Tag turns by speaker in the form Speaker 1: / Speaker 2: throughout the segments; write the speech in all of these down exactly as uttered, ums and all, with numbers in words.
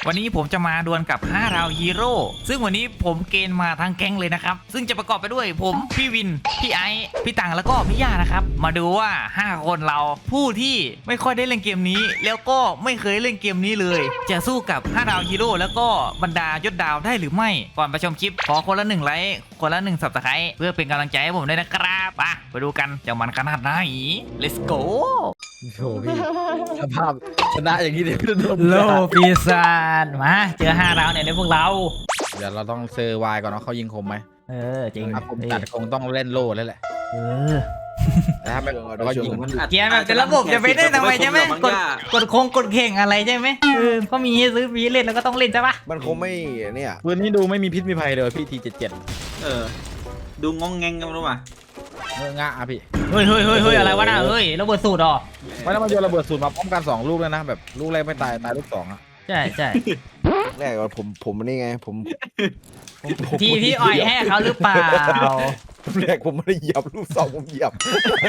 Speaker 1: วันนี้ผมจะมาดวลกับห้าดาวฮีโร่ซึ่งวันนี้ผมเกณฑ์มาทั้งแก๊งเลยนะครับซึ่งจะประกอบไปด้วยผมพี่วินพี่ไอซ์พี่ตังแล้วก็พี่ย่านะครับมาดูว่าห้าคนเราผู้ที่ไม่ค่อยได้เล่นเกมนี้แล้วก็ไม่เคยเล่นเกมนี้เลยจะสู้กับห้าดาวฮีโร่แล้วก็บรรดายศดาวได้หรือไม่ก่อนไปชมคลิปขอคนละหนึ่งไลค์คนละหนึ่งซับสไครต์เพื่อเป็นกำลังใจให้ผมด้วยนะครับไปไปดูกันจะมันขนาดไหน let's go
Speaker 2: โหพี่สภาพชนะอย่างนี้เดี๋ยวจะโดน
Speaker 1: โลปีศาจมาเจอห้าดาวเนี่ยในพวกเรา
Speaker 2: เดี๋ยวเราต้องเซอร์ไวก่อนว่าเขายิงคมไหม
Speaker 1: เออจริง
Speaker 2: ถ้าผมตัดคงต้องเล่นโล่แล้วแหละ
Speaker 1: เออ
Speaker 2: แต่ถ้าไม่เรายิง
Speaker 1: เกียร์แบบจะระบบจะไปได้ทำไมใช่ไหมกดกดโค้งกดเข่งอะไรใช่ไหมเออก็มีให้ซื้อฟรีเล่นแล้วก็ต้องเล่นใช่ปะ
Speaker 3: มันคงไม่เนี่ย
Speaker 2: ปืนนี้ดูไม่มีพิษมีภัยเลยพี่ทีเจ็ดเจ็ด
Speaker 4: เออดูงงแงงกันรู้ป่ะ
Speaker 2: เมื่องะอ่ะพี่
Speaker 1: เฮ้ยเฮ้ยเฮ้ยเฮ้ยอะไรวะน่ะเฮ้ยระเบิดสูตรอ่ะ
Speaker 2: ไม่แล้วมันโยนระเบิดสูตรมาพร้อมกันสองลูกเลยนะแบบลูกแรกไม่ตายตายลูกสองอ่ะ
Speaker 1: ใช่ใช่
Speaker 3: แรกว่าผมผมนี่ไงผมผมผม
Speaker 1: ทีพี่อ่อยให้เขาหรือเปล่า
Speaker 3: แรกผมไม่ได้เหยียบลูกสองผมเหยียบ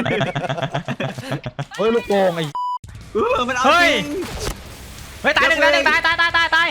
Speaker 2: เฮ้ยลูกโป่งไอ้
Speaker 4: เออมันเอา
Speaker 1: เฮ้
Speaker 4: จ
Speaker 1: ย
Speaker 4: ริง
Speaker 1: เฮ้ยตายหนึ่งตายหนึ่งตายตายตายตายตาย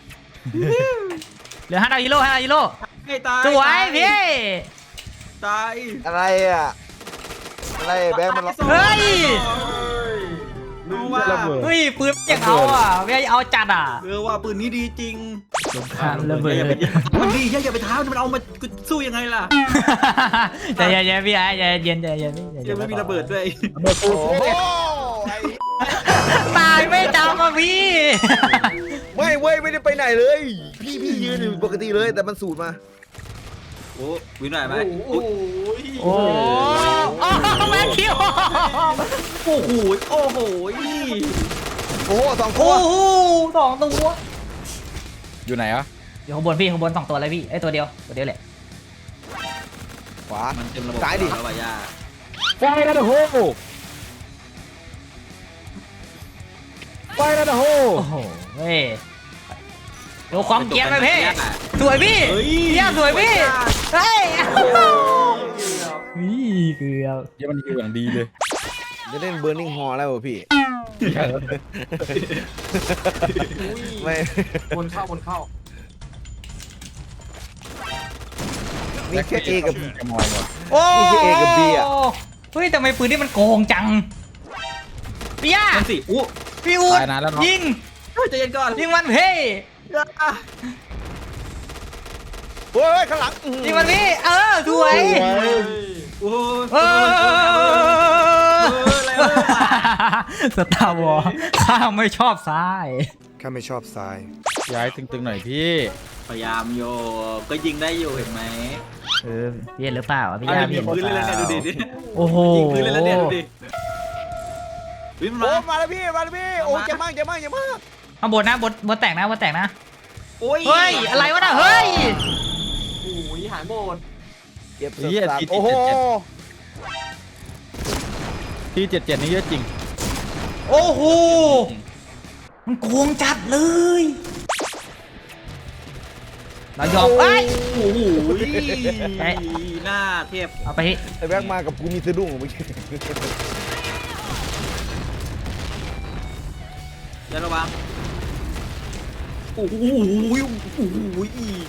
Speaker 1: เหลือห้าดาวฮีโร่ห้าดาวฮีโร่
Speaker 4: ให้ตาย
Speaker 1: สวยพี่
Speaker 4: ตาย
Speaker 3: อะไรอ่ะอะไรแบงค์มันล็อก
Speaker 1: เฮ้ย
Speaker 4: ดูว่า
Speaker 2: ระเบิด
Speaker 1: เฮ้ยปืนอย่างเอาอ่ะไม่เอาจัดอ่ะ
Speaker 4: เออว่าปืนนี้ดีจริง
Speaker 1: ระเบิด
Speaker 4: อย่าไปมันดีอย่าไปท้ามันเอามาสู้ยังไงล่ะ
Speaker 1: ใจเย็นๆพี่ไอ้ใจเย็นใจเย็น
Speaker 4: ยังไม่มีระเบิดด้วย
Speaker 2: ระเบิดสู
Speaker 3: โอ้
Speaker 2: ตร
Speaker 3: โหไอ้
Speaker 1: ตายไม่จำอ่ะพี่
Speaker 3: ไม่เว้ยไม่ได้ไปไหนเลยพี่พี่ยืนอยู่ปกติเลยแต่มันสูดมา
Speaker 4: โอ้วินหน่อยไหม
Speaker 1: โอ้โอ้แม่คิว
Speaker 4: โอ้โหโอ้โห
Speaker 3: โอ้โหสองตั
Speaker 1: โอ้
Speaker 3: ว
Speaker 1: โหสองตัว
Speaker 2: อยู่ไหนอ่ะ
Speaker 1: อยู่ข้างบนพี่ข้างบนสองตัวเลยพี่ไอ้ตัวเดียวตัวเดียวแหละ
Speaker 3: ขวา
Speaker 4: มันเต็มระบบ
Speaker 3: ซ้ายดิ
Speaker 4: แล้วว่ะย่า
Speaker 2: ไฟนั่นโหไฟนั่นโห
Speaker 1: โอ้โหเฮ้ยดูความเกรียร์ไปพี่สวยพี่เยี่ยสวยพี่เฮ้ยนี่เกือบ
Speaker 2: เดี๋ยวมันอยู่อย่างดีเลย
Speaker 3: จะเล่นเบอร์นิ่งฮอแล้วพี่ไม่
Speaker 5: บนเข้าบนเข้า
Speaker 3: มีแค่เอกับ
Speaker 2: จะมอยหมด
Speaker 1: โอ้
Speaker 3: นี่คือ A กับ B อะ
Speaker 1: เฮ้ยทำไมปืนนี่มันโกงจังพี่ย่า
Speaker 4: นั่นสิอู้
Speaker 1: พี่อูด
Speaker 2: ตายนานแล้วเนาะ
Speaker 1: ยิง
Speaker 4: ใจเย็นก่อน
Speaker 1: ยิงมันเพ่
Speaker 3: เฮ้ยข้างหลัง
Speaker 1: ยิงมันพี่เออสวย
Speaker 4: โอ้
Speaker 1: เออ
Speaker 4: อะไรวะ
Speaker 1: สตาร์วอร์ข้าไม่ชอบซ้าย
Speaker 3: ข้าไม่ชอบทราย
Speaker 2: ย้ายตึงๆหน่อยพี่
Speaker 4: พยายามโยก็ยิงได้อยู่เห็นไหม
Speaker 1: เออพี่เห็นหรือเปล่าพี่
Speaker 4: เอา
Speaker 1: ย่า
Speaker 4: ยิ
Speaker 1: พี่
Speaker 4: งพื้นเลยเนี่ยดูดิดิ
Speaker 1: โอ้โห
Speaker 4: ยิงพื้นเลยเนี่ยดูดิวิ่ง
Speaker 3: โอ้
Speaker 4: มา
Speaker 3: มาแล้วพี่มาแล้วพี่โอ้เจ็บมากเจ็บมากเจ็บมาก
Speaker 1: ข้างบนนะบนบนแตกนะบนแตกนะ
Speaker 4: โอ้ย
Speaker 1: เฮ้ยอะไรวะน่ะเฮ้ย
Speaker 5: โอ้ยหายหมด
Speaker 3: เจ็บ
Speaker 2: เหี้ย
Speaker 3: สัส
Speaker 2: ติด
Speaker 3: ๆโอ้โห
Speaker 2: ทีเจ็ดเจ็ดนี่เยอะจริง
Speaker 1: โอ้โหมันโกงจัดเลยเรายอมไป
Speaker 4: โอ้โหหน้าเทียบ
Speaker 1: เอาไป
Speaker 3: ไอ้แบงค์มากับกูมีสะดุ้งเมื่อกี้
Speaker 4: อย่าระวังโอ้โหโอ้โห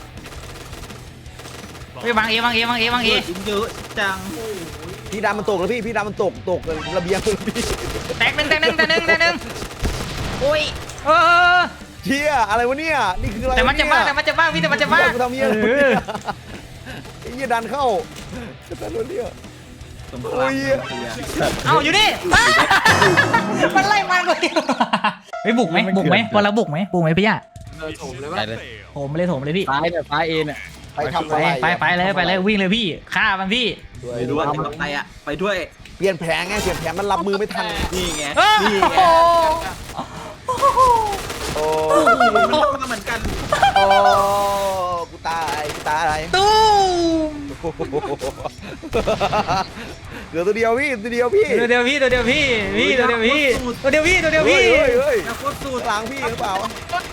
Speaker 1: ไปวางเอวางเอวางเอวางเอ
Speaker 4: ยิงเยอะจัง
Speaker 3: พี่ดำมันตกแล้วพี่พี่ดำมันตกตกระเบียงเลยพี่
Speaker 1: แตกหนึ่งแตกหนึ่งแตกหนึ่งแตกหนึ่งโอ้ยเออ
Speaker 3: เชี่ยอะไรวะเนี่ยนี่คืออะไร
Speaker 1: แต่มันจะบ้าแต่มันจะบ้าพี่แต่มันจะบ้า
Speaker 3: กูทำเหี้ยอะไรเนี่ยไอ้เหี้ยดันเข้าแต่รถเนี่ย
Speaker 4: สมคราม
Speaker 1: เอาอยู่นี่มันไล่มันเลยไปบุกไหมบุกไหมพอเราบุกไหมบุกไหมพี่ย่า
Speaker 5: เดินโถมเลย
Speaker 2: ไป
Speaker 5: วะ
Speaker 2: เลย
Speaker 1: โถมเลยโถมเลยพี่
Speaker 2: ซ้ายเนี่ยซ้ายเอเนี่ย
Speaker 3: ไปทำ
Speaker 1: ไป
Speaker 3: อะไร
Speaker 1: ไปไปเลยไปเลยวิ่งเลยพี่ฆ่ามันพี่
Speaker 4: ไปด้วยไปอ่ะไปด้วย
Speaker 3: เปลี่ยนแผนไงเปลี่ยนแผนมันรับมือไม่ทัน
Speaker 4: นี่ไง
Speaker 1: โอ้
Speaker 4: นี่ไง
Speaker 1: โห
Speaker 3: โอ้
Speaker 4: มันมาเหมือนกัน
Speaker 3: โอ้กูตายกูตาย
Speaker 1: ตู้ม
Speaker 3: เหลือตัวเดียวพี่ตัวเดียวพี่
Speaker 1: ตัวเดียวพี่ตัวเดียวพี่พี่ตัวเดียวพี่ตัวเดียวพี่ตัวเดียว
Speaker 3: เฮ้
Speaker 1: พี่
Speaker 3: ยเฮ้ยเฮ้ย
Speaker 4: แล้วโคตรสุด
Speaker 3: หลังพี่หรือเปล่า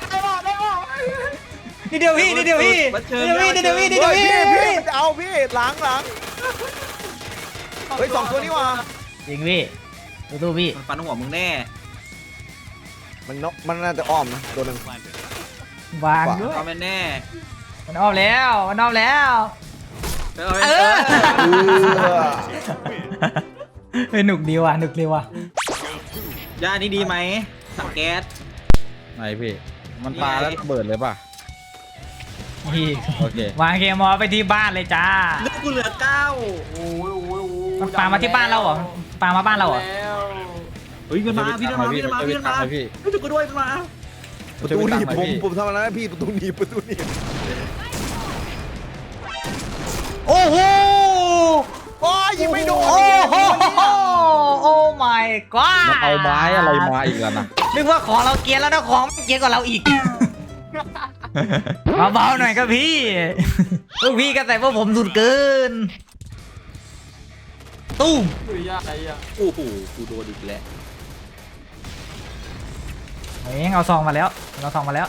Speaker 1: นี่เดียวพี่นี่เดียวพี่นี่เดียวพี่นี่เดียวพี่นี่เดียว
Speaker 3: เฮ้ย
Speaker 1: พี่
Speaker 3: พี่พี่มันจะเอาพี่หลังหลังเฮ้ยสองตัวนี้ว่ะ
Speaker 1: จริงพี่ดูตู้พี่
Speaker 4: มันฟันหัวมึงแน่
Speaker 3: มันนกมันน่าจะอ้อมนะตัวหนึ่ง
Speaker 1: วางด้วย
Speaker 4: เอาแม่แน่
Speaker 1: มันออกแล้วมันออกแล้ว
Speaker 4: เอา
Speaker 1: เอ
Speaker 4: แม่
Speaker 1: อ
Speaker 3: เออ
Speaker 1: เฮ้ยหนุกดีว่ะหนุกดีว่ะ
Speaker 4: ย่านี่ดีไหมถังแก๊ส
Speaker 2: ไหนพี่ มันปลาแล้วระเบิดเลยป่ะ
Speaker 1: นี่
Speaker 2: โอเคว
Speaker 1: างเคมอลไปที่บ้านเลยจ้า
Speaker 4: เลือดกูเหลือเก้า
Speaker 5: โอ้ยโอ้ยโอ้ย
Speaker 1: มันปามาที่บ้านเราเหรอปามาบ้านเราเหรอ
Speaker 5: แล้ว
Speaker 4: เฮ้ยมันมาพี่มันมาพี่มันมาพี่มันมา
Speaker 2: พี่
Speaker 4: เฮ้ยจุกกูด้วยมันมา
Speaker 3: ประตูหนีบผมผมทำอะไรนะพี่ประตูหนีบประตูหนีบ
Speaker 1: โอ้โห
Speaker 3: โอ้ยยิงไม่โดน
Speaker 1: โอ้โหโอ้ my god
Speaker 2: มันเอาไม้อะไรมาอีกแล้วนะ
Speaker 1: นึกว่าของเราเกรียนแล้วนะของไม่เกรียนกว่าเราอีก เบาๆหน่อยครับพี่ลูกพี่ก็ใส่พวกผมสุดเกินตุ้ม
Speaker 5: คือยากไอ้อะ
Speaker 4: โอ้โหกูโดนอีกแล้ว
Speaker 1: เฮ้ยเอาซองมาแล้วเอาซองมาแล้ว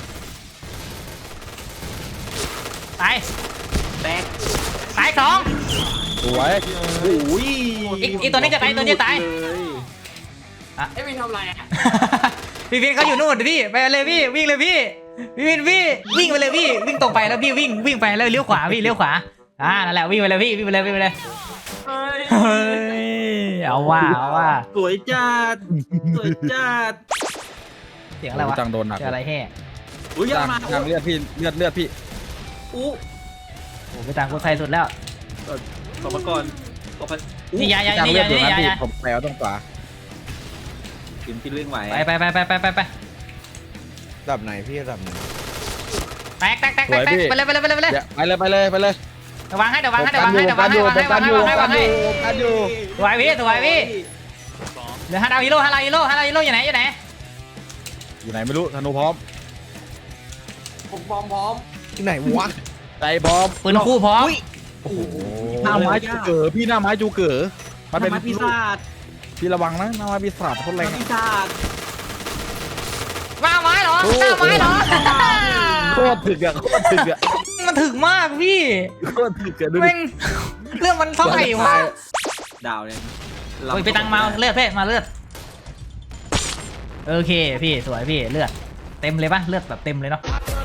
Speaker 1: ตาย
Speaker 4: แตก
Speaker 1: ตายสอง
Speaker 2: สวย
Speaker 4: โอ้ย
Speaker 1: อีกอีกตัวนี้จะตายตัวนี้จะตาย
Speaker 4: เลย
Speaker 5: ไอ้วินทำไรอะ
Speaker 1: พี่วินเขาอยู่นู่นพี่ไปเลยพี่วิ่งเลยพี่พี่วินพี่วิ่งไปเลยพี่วิ่งตรงไปแล้วพี่วิ่งวิ่งไปแล้วเลี้ยวขวาพี่เลี้ยวขวาอ่านั่นแหละวิ่งไปเลยพี่วิ่งไปเลยวิ่งไปเลย
Speaker 5: เฮ้ย
Speaker 1: เฮ้ยเอาว่าเอาว่า
Speaker 4: สวยจัดสวยจัด
Speaker 1: เสียงอะไรวะ
Speaker 2: จังโดนหนัก
Speaker 1: เสียงอะไรแห่
Speaker 4: อุ้ยยั
Speaker 2: จั
Speaker 4: ง
Speaker 2: ง
Speaker 4: มา
Speaker 2: จังเลือดพี่เลือดเลือดพี่
Speaker 4: อู้
Speaker 1: โอ้ไปต่างคนไทยสุดแล้ว
Speaker 4: ขอมาก่อนขอพันอู้
Speaker 1: นี่ยายา
Speaker 2: จัง
Speaker 1: นี่
Speaker 2: เลือด
Speaker 1: ยา
Speaker 2: อยู่
Speaker 1: นี่
Speaker 2: นั้น
Speaker 1: ยา
Speaker 2: พี่
Speaker 1: ยา
Speaker 2: ผมแปลว่าต้องขวา
Speaker 4: กินกินเรื่องไหว
Speaker 1: ไปไปไปไปไปไป
Speaker 3: ระดับไหนพี่ระดับไหน
Speaker 1: แตกแตกแตกแตกไปเลยไปเลยไปเลยไปเลย
Speaker 2: เดี๋ยวไปเลยไปเลยไปเลย
Speaker 1: เดี๋ยววางให้เดี๋ยววางให้เดี๋ยววางให้เดี๋ยววางให้วางให้วางให้วางให้วางให้
Speaker 2: กันอยู่
Speaker 1: สวยพี่สวยพี่เหลือห้าดาวฮีโร่ห้าดาวฮีโร่ห้าดาวฮีโร่อยู่ไหนอยู่ไหน
Speaker 2: อยู่ไหนไม่รู้ธนูพร้อม
Speaker 5: ผมพร้อมพร้อม
Speaker 3: ที่ไหนวะ
Speaker 2: ใจบอม
Speaker 1: ปืนคู่พร้อม
Speaker 2: โอ้โหหน้าไม้จูเก๋อพี่หน้าไม้จูเก๋อมันเป็น
Speaker 4: ทำไปีศาจ
Speaker 2: พี่ระวังนะหน้าไม้ปีศาจโคตรแรง
Speaker 4: ทำปีศาจ
Speaker 1: ว่าไม้เหรอหน้าไม้เหรอ
Speaker 2: โคตรถึกอะโคตรถึกอะ
Speaker 1: มันถึกมากพี่
Speaker 2: โคตรถึกอะดูดิ
Speaker 1: แม่งเรื่องมันเท่าไหร่วะ
Speaker 4: ดาวเนี่ย
Speaker 1: โอ้ยไปตังมาเลือดเพ่มาเลือดโอเคพี่สวยพี่เลือดเต็มเลยปะเลือดแบบเต็มเลยเนาะ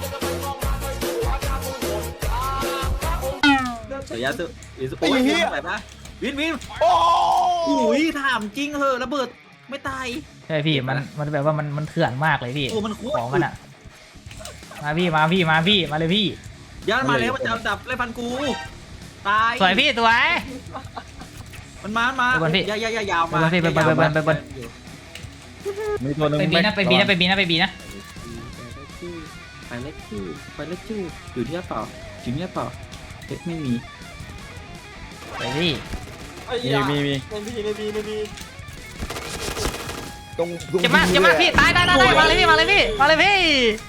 Speaker 4: สายยาสุวินสุโอ้ยวินไปปะวินวิน
Speaker 3: โอ้
Speaker 4: อุ้ยถามจริงเหอะระเบิดไม่ตาย
Speaker 1: ใช่พี่มันมันแบบว่ามันมันเถื่อนมากเลยพี่
Speaker 4: โอ้มันโคตร
Speaker 1: ของมันอะมาพี่มาพี่มาพี่มาเลยพี่
Speaker 4: ยันมาแล้วมันจะดับไล่พันกูตาย
Speaker 1: สวยพี่สวย
Speaker 4: มันมามา
Speaker 1: ไปบนพี่
Speaker 4: ยาวยาวยาวมา
Speaker 1: ไปบนพี่ไปบนไปบนไปบน
Speaker 2: มีตัวหนึง
Speaker 1: ไปบีนะไปบีนะไปบีนะไปบีนะ
Speaker 4: ไปเล็กจู้ไปเล็กจู้อยู่ที่เปล่าอยู่ที่เปล่าเล็กไม่มี
Speaker 1: ไปพี่
Speaker 5: ไอ้
Speaker 2: มี
Speaker 5: ยา
Speaker 2: มีมี
Speaker 5: ในบีในบีในบี
Speaker 3: ตรงตรง
Speaker 1: เจ็บมากเจ็บมากพี่ตายตายตายตายมาเลยพี่มาเลยพี่มาเลยพี่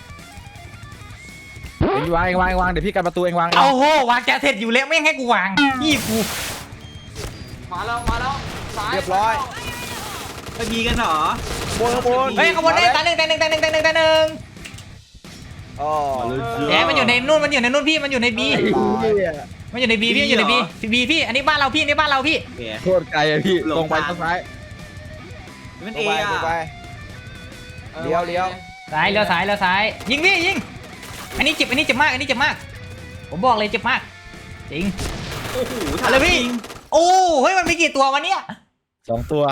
Speaker 2: เองวางเองวางเองวางเดี๋ยวพี่กันประตูเองวาง
Speaker 1: เอาโหวางแกเสร็จอยู่แล้วไม่ให้กูวางพี่กู
Speaker 5: มาแล้วมาแล้วซ้าย
Speaker 3: เรียบร้อย
Speaker 4: ไปมีกันเหรอบ
Speaker 3: นข้างบน
Speaker 1: เฮ้ยขบวนได้ตาหนึ่งตาหนึ่งตาหนึ่งตาหนึ่งตาหนึ่ง
Speaker 3: อ๋อ
Speaker 1: แหมมันอยู่ในนู่นมันอยู่ในนู่นพี่มันอยู่ในบี
Speaker 3: ตาย
Speaker 1: มันอยู่ในบีพี่มันอยู่ในบีบีพี่อันนี้บ้านเราพี่อันนี้บ้านเราพี่
Speaker 4: แก
Speaker 2: โคตรไกลอะพี่ตรงไปซ้าย
Speaker 4: มัน
Speaker 3: ตร
Speaker 4: เอง
Speaker 3: ไป
Speaker 4: อะ
Speaker 3: ตรงไป เลี้ยวเลี้ยว
Speaker 1: ซ้ายเลี้ยวซ้ายเลี้ยวซ้ายยิงพี่ยิงอันนี้เจ็บอันนี้เจ็บมากอันนี้เจ็บมาก ผมบอกเลยเจ็บมากจริง
Speaker 4: โอ้โห
Speaker 1: เอาเลยพี่โอ้เฮ้ยมันมีกี่ตัววะเนี่ย
Speaker 2: สองตัว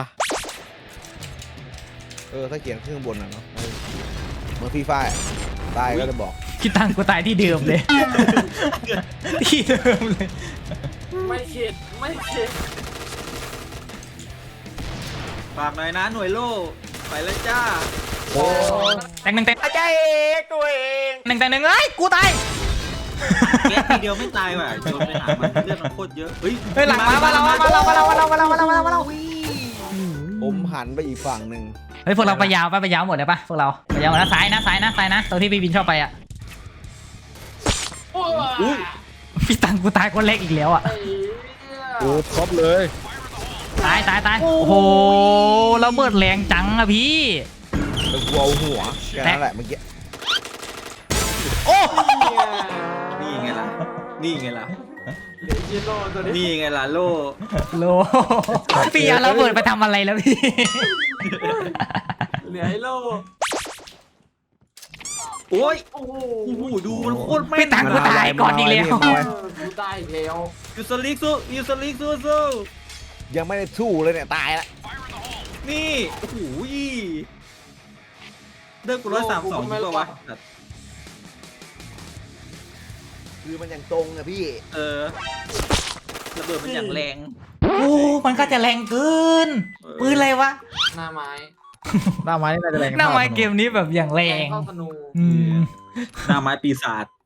Speaker 3: เออถ้าเขียนขึ้นข้างบนน่ะเนาะเออเหมือนพี่ฝ้ายตายก็จะบอก
Speaker 1: คิดตังกูตายที่เดิมเลย ที่เดิมเลย
Speaker 5: ไม่เข็ดไม่เข็ด
Speaker 4: ฝากหน่อยนะหน่วยโล่ไปแล้วจ้า
Speaker 3: โอ้
Speaker 1: แต่งหนึ่งแต่ง
Speaker 3: อาจารย์เอกตัวเอง
Speaker 1: หนึ่งแต่งหนึ่งเอ้ยกูตาย
Speaker 4: แกทีเดียวไม่ตายว่ะโจนไปหามันเลือดมันโคตรเยอะเฮ้ย
Speaker 1: เฮ้ยหลังมามาเรามาเรามาเรามาเรามาเรามาเรามาเรามาเรา
Speaker 3: ผมหันไปอีกฝั่งหนึ่ง
Speaker 1: เฮ้ยพวกเราไปยาวไปไปยาวหมดเลยปะพวกเราไปยาวหมดแล้วซ้ายนะซ้ายนะซ้ายนะตรงที่พี่บินชอบไปอ่ะ
Speaker 5: โอ้ย
Speaker 4: อุ้ย
Speaker 1: พี่ตังกูตายคนเล็กอีกแล้วอ่ะ
Speaker 5: ไอ้เหี้ย
Speaker 2: โอ้ครบเลย
Speaker 1: ตายตายตายโอ้โหระเบิดแรงจังอะพี่
Speaker 3: แล้วกูเอาหัวแค่นั้นแหละเมื่อกี้
Speaker 1: โอ้
Speaker 4: นี่ไงล่ะนี่ไงล่ะ
Speaker 5: เดี๋ยวยินโลตัวนี้
Speaker 4: นี่ไงล่ะโล่
Speaker 1: โลพี่เอาระเบิดไปทำอะไรแล้วพี่
Speaker 5: เหลือไอ้โล
Speaker 4: โอ้ย
Speaker 5: โอ้โห
Speaker 4: โอ้โหดูมันโคตรแม่น
Speaker 1: พี่ตังกูตายก่อนอีกแล้ว
Speaker 5: เออกูตายอีกแล้ว
Speaker 4: ยูสลิกสู้ยูสลิกสู้สู้
Speaker 3: ยังไม่ได้สู้เลยเนี่ยตายละ
Speaker 4: นี่โอ้โหเดินกูร้อยสามสองดีกว่าวะ
Speaker 3: คือมันยังตรงอะพี่
Speaker 4: เออระเบิดมันอย่างแรง
Speaker 1: โอ้มันก็จะแรงเกิน ปืนอะไรวะ
Speaker 5: หน้าไม้
Speaker 2: หน้าไม้นี่น่าจะแรง
Speaker 1: หน้าไม้เกมนี้แบบอย่างแร
Speaker 5: แรง
Speaker 1: ง
Speaker 5: เข้าธนู
Speaker 1: อืม
Speaker 4: หน้าไม้ปีศาจ